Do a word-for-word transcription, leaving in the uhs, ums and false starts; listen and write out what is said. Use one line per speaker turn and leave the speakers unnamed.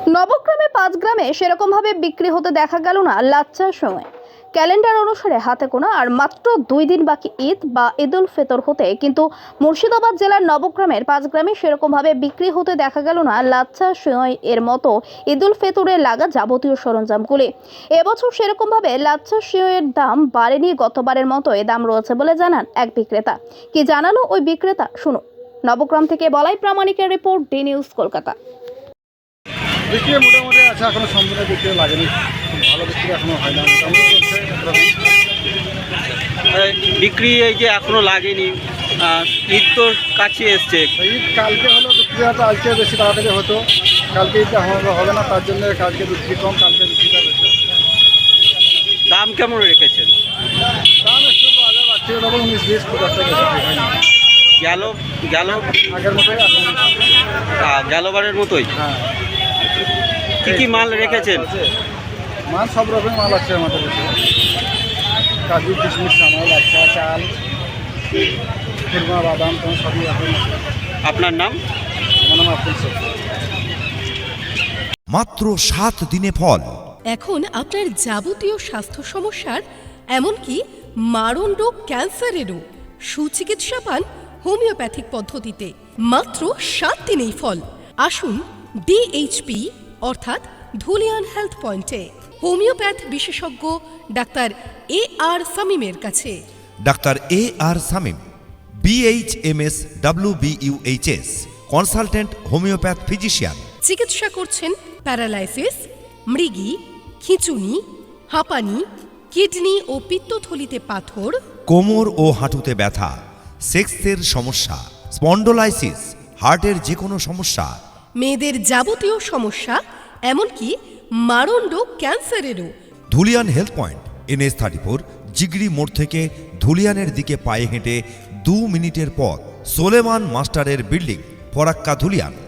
নবগ্রামে পাঁচ গ্রামে সেরকমভাবে বিক্রি হতে দেখা গেল না লাচ্চার সময়। ক্যালেন্ডার অনুসারে হাতে গোনা আর মাত্র দুই দিন বাকি ঈদ বা ঈদুল ফিতর হতে, কিন্তু মুর্শিদাবাদ জেলার নবগ্রামের পাঁচ গ্রামে সেরকমভাবে বিক্রি হতে দেখা গেল না লাচ্চা সেমাই এর মতো ঈদুল ফিতরে লাগা যাবতীয় সরঞ্জামগুলি। এবছর সেরকমভাবে লাচ্চা সেমাইয়ের দাম বাড়েনি, গতবারের মতোই দাম রয়েছে বলে জানান এক বিক্রেতা। কি জানালো ওই বিক্রেতা শুনুন। নবগ্রাম থেকে বলাই প্রামাণিকের রিপোর্ট, ডি নিউজ কলকাতা।
বিক্রি মোটামুটি আছে, এখনো সম্পূর্ণ বিক্রি লাগেনি, খুব ভালো বিক্রি এখনো হয় না, মোটামুটি চলছে।
বিক্রি এই যে এখনো লাগেনি, ঈদ তো কাছে এসছে।
ঈদ কালকে হলো, বিক্রিটা আজকে বেশি তাড়াতাড়ি হতো, কালকে ঈদটা হবে না, তার জন্য কালকে বিক্রি কম, কালকে বিক্রিটা বেশি।
দাম কেমন রেখেছেন?
দাম একটু বাজার বাড়ছে, তখন উনিশ বিশ পঞ্চাশ টাকা হয় না,
গেল গেল
আগের মতোই এখন।
গেলবারের মতোই।
হ্যাঁ,
কি কি মাল রেখেছেন?
মাল সব রকম মাল আছে আমাদের কাছে, কাজু কিশমিশ চানাল আছে, চাল খুরমা বাদাম তোমার সবই এখন।
আপনার নাম?
আমার নাম আব্দুল শেখ।
মাত্র সাত দিনে ফল।
এখন আপনার যাবতীয় স্বাস্থ্য সমস্যার, এমনকি মারণ রোগ ক্যান্সারেরও সুচিকিৎসা পান হোমিওপ্যাথিক পদ্ধতিতে। মাত্র সাত দিনেই ফল। আসুন ডিএইচপি অর্থাৎ ধুলিয়ান হেলথ পয়েন্টে হোমিওপ্যাথ বিশেষজ্ঞ ডাক্তার এ আর সামিমের কাছে।
Doctor A R Samim, BHMS WBUHS, consultant homeopath physician.
চিকিৎসা করছেন প্যারালাইসিস, মৃগী, খিঁচুনি, হাঁপানি, কিডনি ও পিত্তথলিতে পাথর,
কোমর ও হাঁটুতে ব্যথা, সেক্সের সমস্যা, স্পন্ডোলাইসিস, হার্টের যে কোনো সমস্যা,
মেয়েদের যাবতীয় সমস্যা, এমনকি মারণ রোগ ক্যান্সারেরও।
Dhulian health point, NS thirty four, Jigri মোড় থেকে ধুলিয়ানের দিকে পায়ে হেঁটে দু মিনিটের পথ। সোলেমান মাস্টারের বিল্ডিং, ফরাক্কা, ধুলিয়ান।